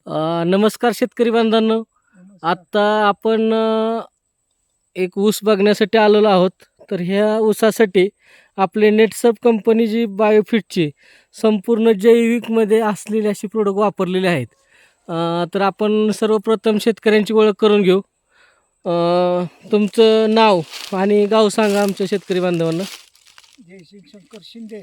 नमस्कार शेतकरी बांधवांनो. आत्ता आपण एक ऊस बघण्यासाठी आलेलो आहोत. तर ह्या ऊसासाठी आपले नेटसप कंपनी जी बायोफिटची संपूर्ण जैविकमध्ये असलेली अशी प्रोडक्ट वापरलेले आहेत. तर आपण सर्वप्रथम शेतकऱ्यांची ओळख करून घेऊ. तुमचं नाव आणि गाव सांगा आमच्या शेतकरी बांधवांना. जयसिंग शंकर शिंदे,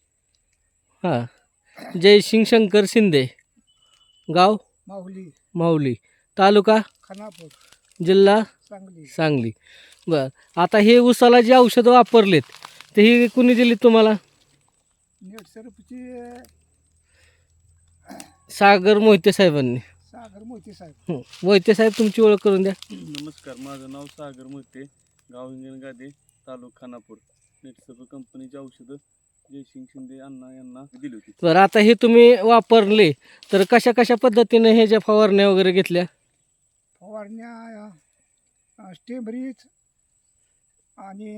हां, जयसिंग शंकर शिंदे, गाव माहुली, माहुली, तालुका खानापूर, जिल्हा सांगली. सांगली. बरं, आता हे ऊसाला जी औषधं वापरलेत ते ही कुणी दिली तुम्हाला? नेटसर्फची सागर मोहिते साहेबांनी. सागर मोहिते साहेब. मोहिते साहेब, तुमची ओळख करून द्या. नमस्कार, माझं नाव सागर मोहिते, गाव हिंगणगादे, तालुका खानापूर. नेटसर्फ कंपनीची औषधं जयसिंग शिंदे अण्णा यांना दिली होती. बरं, आता हे तुम्ही वापरले तर कशा कशा पद्धतीने हे ज्या फवारण्या वगैरे घेतल्या? फवारण्या स्टेबरीज आणि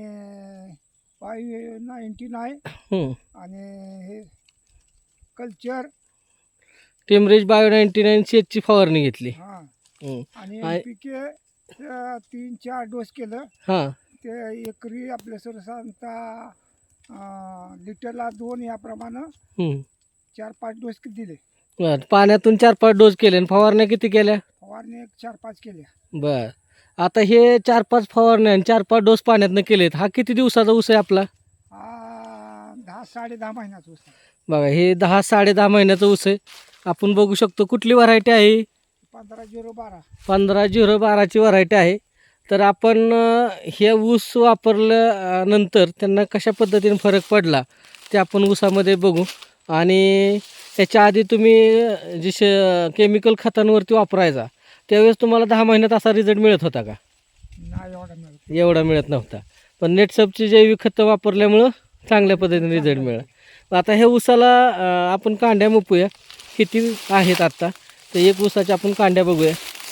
599 हं. आणि हे कल्चर. टेमरेज बायो 99 शेतची फवारणी घेतली. हां, हं. आणि आहे. NPK 3-4 डोस केलं. हां, ते एकरी आपल्या साधारणतः लिटरला 2 याप्रमाणे हं. 4-5 डोस दिले. बरं, पाण्यातून 4-5 डोस केले आणि फवारण्या किती केल्या? फवारणी 4-5 केल्या. बरं, आता हे 4-5 फवारण्या आणि 4-5 डोस पाण्यातनं केलेत. हा किती दिवसाचा ऊस आहे आपला? 10-10.5 महिन्याचा ऊस आहे. बघा, हे 10-10.5 महिन्याचं ऊस आहे. आपण बघू शकतो. कुठली व्हरायटी आहे? 15-0-12. 15-0-12ची व्हरायटी आहे. तर आपण हे ऊस वापरल्यानंतर त्यांना कशा पद्धतीने फरक पडला ते आपण ऊसामध्ये बघू. आणि त्याच्या आधी तुम्ही जे केमिकल खतांवरती वापरायचा त्यावेळेस तुम्हाला 10 महिन्यात असा रिझल्ट मिळत होता का? नाही एवढा मिळत. एवढा मिळत नव्हता. पण नेटसपची जैविक खतं वापरल्यामुळं चांगल्या पद्धतीने रिझल्ट मिळाला. आता ह्या ऊसाला आपण कांड्या मुपूया. किती आहेत आत्ता तर एक ऊसाच्या आपण कांड्या बघूया.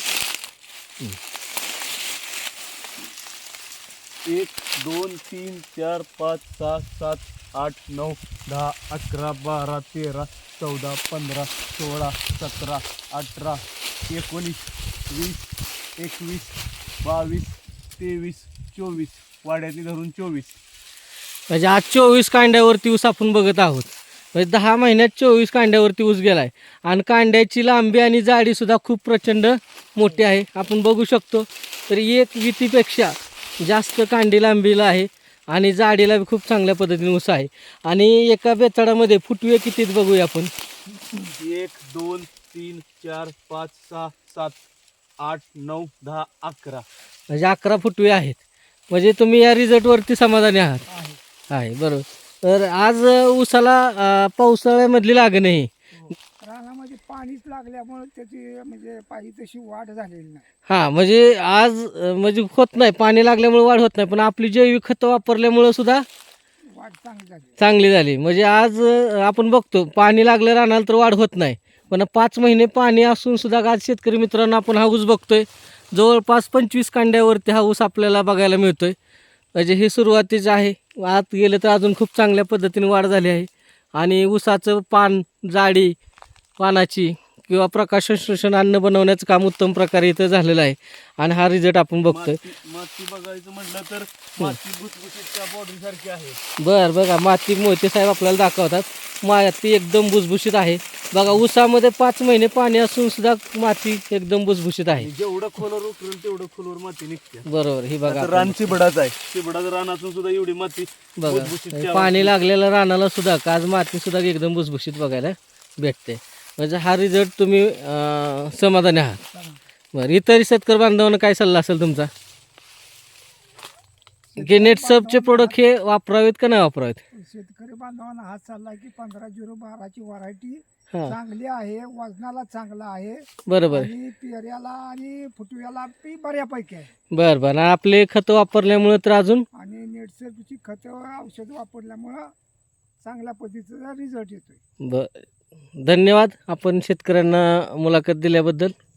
1, 2, 3, 4, 5, 6, 7, 8, 9, 10, 11, 12, 13, 14, 15, 16, 17, 18, 19, 20, 21, 22, 23, 24, वाड्यातली धरून 24. म्हणजे आज 24 कांड्यावरती ऊस आपण बघत आहोत. म्हणजे 10 महिन्यात 24 कांड्यावरती ऊस गेला आहे. आणि कांड्याची लांबी आणि जाडीसुद्धा खूप प्रचंड मोठी आहे. आपण बघू शकतो. तर एक वितीपेक्षा जास्त कांडी लांबीला आहे आणि जाडीला बी खूप चांगल्या पद्धतीने ऊस आहे. आणि एका बेचाडामध्ये फुटवे कितीत बघूया आपण. 1, 2, 3, 4, 5, 6, 7, 8, 9, 10, 11. म्हणजे 11 फुटवे आहेत. म्हणजे तुम्ही या रिझल्टवरती समाधानी आहात? आहे. आहे, बरोबर. तर आज ऊसाला पावसाळ्यामधली लागण आहे. रानामध्ये पाणीच लागल्यामुळे त्याची म्हणजे पाहिजे तशी वाढ झालेली नाही. हां, म्हणजे आज म्हणजे होत नाही, पाणी लागल्यामुळे वाढ होत नाही. पण आपली जैविक खतं वापरल्यामुळं सुद्धा वाढ चांगली झाली. चांगली झाली. म्हणजे आज आपण बघतो पाणी लागलं रानाला तर वाढ होत नाही. पण 5 महिने पाणी असून सुद्धा आज शेतकरी मित्रांनो आपण हा ऊस बघतोय. जवळपास 25 कांड्यावरती हा ऊस आपल्याला बघायला मिळतोय. म्हणजे हे सुरुवातीचं आहे. आत गेलं तर अजून खूप चांगल्या पद्धतीने वाढ झाली आहे. आणि ऊसाचं पान, जाडी पानाची किंवा प्रकाश संश्लेषण अन्न बनवण्याचं काम उत्तम प्रकारे इथं झालेलं आहे. आणि हा रिझल्ट आपण बघतोय. माती बघायचं म्हटलं तर माती भुसभुशीतच्या बॉडी सारखी आहे. बरं, बघा, माती मोहिते साहेब आपल्याला दाखवतात. माती एकदम भुसभुशीत आहे. बघा, ऊसामध्ये 5 महिने पाणी असून सुद्धा माती एकदम भुसभुशीत आहे. जेवढं खोलवर उकरेल तेवढं खोलवर माती निघते. बरोबर. ही बघा, रान चिबडाच आहे. चिबडाचं रानातून सुद्धा एवढी माती भुसभुशीत बघा, पाणी लागलेलं रानाला सुद्धा आज माती सुद्धा एकदम भुसभुशीत बघायला भेटते. म्हणजे हा रिझल्ट तुम्ही समाधानी आहात. बरं, इतर शेतकरी बांधवांना काय सल्ला असेल तुमचा की नेटसपचे प्रोडक्ट हे वापरावेत का नाही वापरावेत? शेतकरी बांधवांना हात चालला की 15-0-12ची व्हरायटी हां, चांगली आहे. वजनाला चांगला आहे बरोबर. आणि पेऱ्याला आणि फुटव्याला बी बऱ्यापैकी आहे. बरं बरं. आपले खतं वापरल्यामुळे तर अजून आणि नेटसर्फची खतं औषध वापरल्यामुळं चांगल्या पद्धतीचा रिझल्ट येतोय. धन्यवाद आपण शेतकऱ्यांना मुलाखत दिल्याबद्दल.